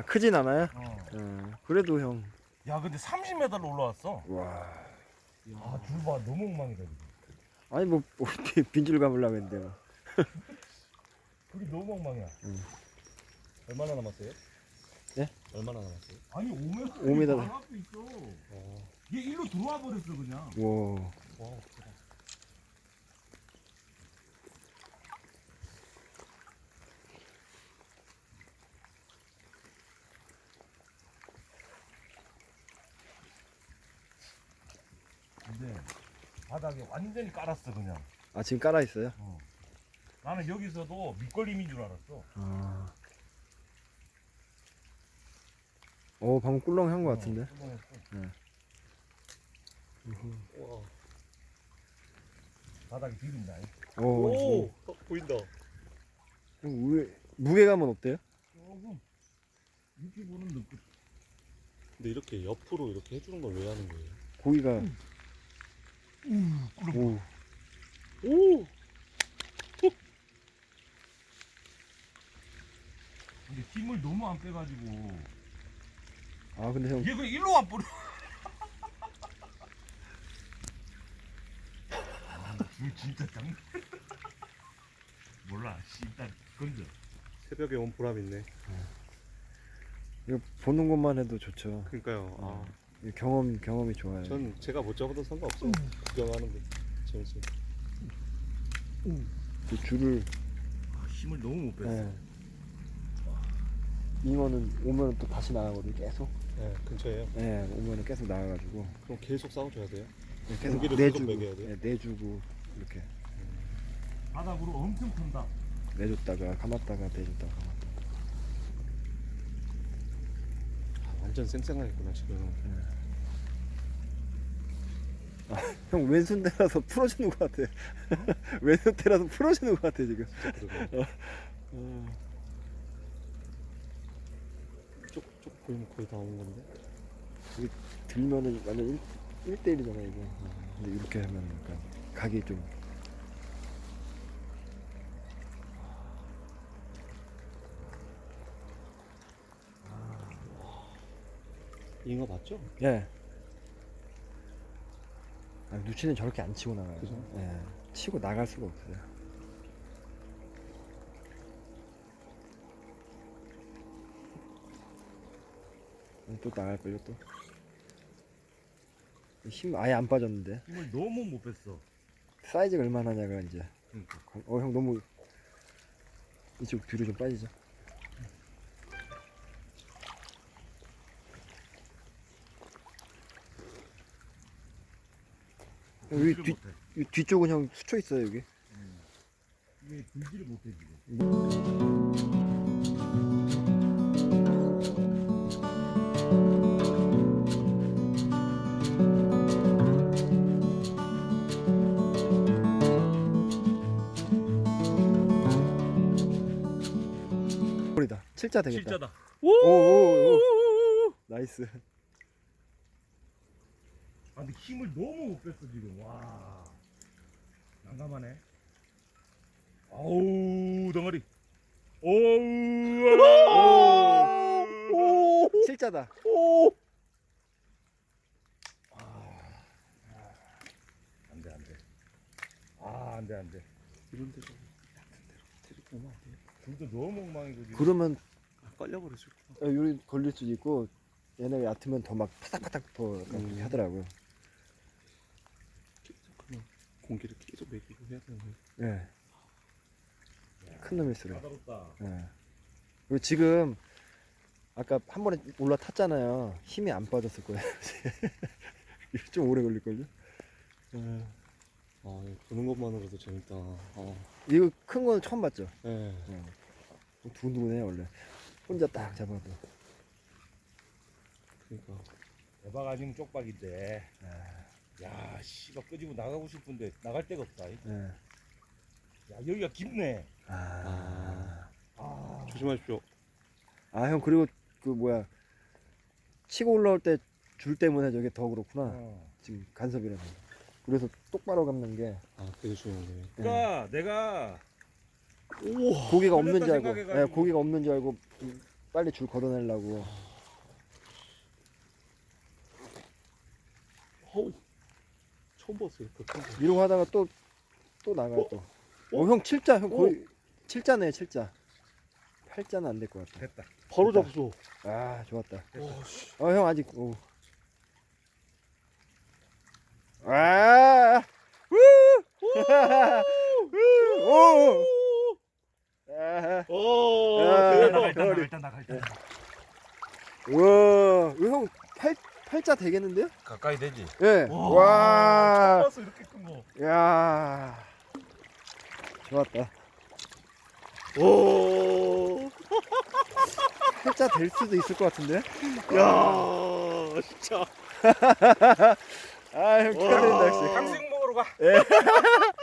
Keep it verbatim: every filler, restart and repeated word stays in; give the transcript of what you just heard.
크진 않아요? 어. 어, 그래도 형. 야 근데 삼십 미터로 올라왔어. 와. 아 줄 봐 너무 엉망이다 지금. 아니 뭐 어떻게 빈줄 감으려고 했는데 뭐. 줄이 너무 엉망이야. 얼마나 남았어요? 예? 얼마나 남았어요? 아니 오 미터. 오 미터. 바로 앞에 있어. 어. 얘 일로 들어와 버렸어 그냥. 와. 와, 근데 바닥에 완전히 깔았어 그냥. 아 지금 깔아 있어요? 어. 나는 여기서도 밑걸림인 줄 알았어. 아. 어 방금 꿀렁한 것 어, 같은데. 꿀렁했어. 와. 바닥이 비린다. 오. 오, 어, 보인다. 형 무- 무게감은 어때요? 조금 이렇게 보는 느낌. 근데 이렇게 옆으로 이렇게 해주는 걸 왜 하는 거예요? 고기가. 오. 오, 근데 힘을 너무 안 빼가지고 아 근데 형. 얘 그냥 일로 와 버려. 아, 줄 진짜 장. 몰라. 씨, 일단 건져. 새벽에 온 보람 있네. 이거 보는 것만 해도 좋죠. 그러니까요. 아, 이거 경험 경험이 좋아요. 전 제가 못 잡아도 상관없어요. 구경하는 게 재밌어요. 그 줄을. 아, 힘을 너무 못 뺐어. 예. 잉어는 오면 또 다시 나가거든요. 계속. 네, 근처에요. 예, 오면은 계속 나가가지고 그럼 계속 싸워줘야 돼요. 예, 계속 고기를 내주고, 계속 먹여야 돼요? 예, 내주고 이렇게 바닥으로 엄청 턴다. 내줬다가 감았다가 내줬다가 감았다가. 아, 완전 쌩쌩하겠구나 지금. 형 왼손 대라서 풀어주는 것 같아. 왼손 대라서 풀어주는 것 같아 지금. 그러고 어. 쪽쪽 보이면 거의 다 온 건데. 들면은 완전 일 대 일이잖아 이게. 근데 이렇게 하면 약간 각이 좀. 잉어 맞죠? 예. 아, 누치는 저렇게 안 치고 나가요. 그죠? 예. 치고 나갈 수가 없어요. 또 나갈걸요 또. 힘 아예 안 빠졌는데. 힘을 너무 못 뺐어. 사이즈가 얼마나 냐가 이제. 그러니까. 어 형 너무 이쪽 뒤로 좀 빠지죠. 여기 들지를 뒤, 못해. 이 뒤쪽은 형 수초 있어요 여기. 이게 들지를 못해 지금. 홀이다. 칠자 되겠다. 실자다. 오오오. 나이스. 아 근데 힘을 너무 못 뺐어 지금. 와. 난감하네. 아우 덩어리. 오우. 오. 칠자다. 안돼 안돼. 아 안돼 안돼. 이런 데서 같은 데로 데리고 오면 안 돼요? 줄도 너무 엉망이고 지금. 그러면 아, 깔려버릴 수 있구나. 요리 걸릴 수도 있고 얘네가 얕으면 더 막 파닥파닥 더 약간 음. 그렇게 하더라고요. 계속 그냥 공기를 계속 먹이고 해야 되는 거예요. 예. 큰 놈일수록. 까다롭다. 예. 그리고 지금 아까 한 번에 올라탔잖아요. 힘이 안 빠졌을 거예요. 이거 좀 오래 걸릴걸요? 예. 아, 이거 보는 것만으로도 재밌다. 아, 이거 큰 건 처음 봤죠? 네. 예. 두근두근해 원래. 혼자 딱 잡아도. 그러니까 대박 아니면 쪽박인데. 야 씨발 끄집어 나가고 싶은데 나갈 데가 없다. 야 예. 여기가 깊네. 아. 아. 조심하십시오. 아, 형, 그리고 그 뭐야. 치고 올라올 때 줄 때문에 저게 더 그렇구나. 어. 지금 간섭이라서. 그래서 똑바로 감는 게 아, 그게 중요한 거예요. 그러니까 내가 고기가 없는 줄 걸렸다 알고, 예, 생각해가지고. 고기가 없는 줄 알고 빨리 줄 걷어내려고. 어우, 처음 봤어요. 이렇게 큰 거. 이러고 하다가 또 또 나가요 또. 어? 어, 형 칠자. 형 어? 거의 칠자네, 칠자. 팔자는 안 될 것 같아. 됐다. 바로 됐다. 잡았어. 아, 좋았다. 와, 씨. 어, 형 아직. 오. 아! 우! 우! 오! 아! 오, 야, 대박. 나가 일단 나가 머리. 일단 나가 일단. 우와, 이거 형 팔, 팔자 되겠는데요? 가까이 되지. 예. 와, 와. 처음 봤어, 이렇게 큰 거. 야. 좋았다. 오, 팔자 될 수도 있을 것 같은데? 야, 진짜. 아, 형 축하드립니다, 역시. 강수육 먹으러 가. 예.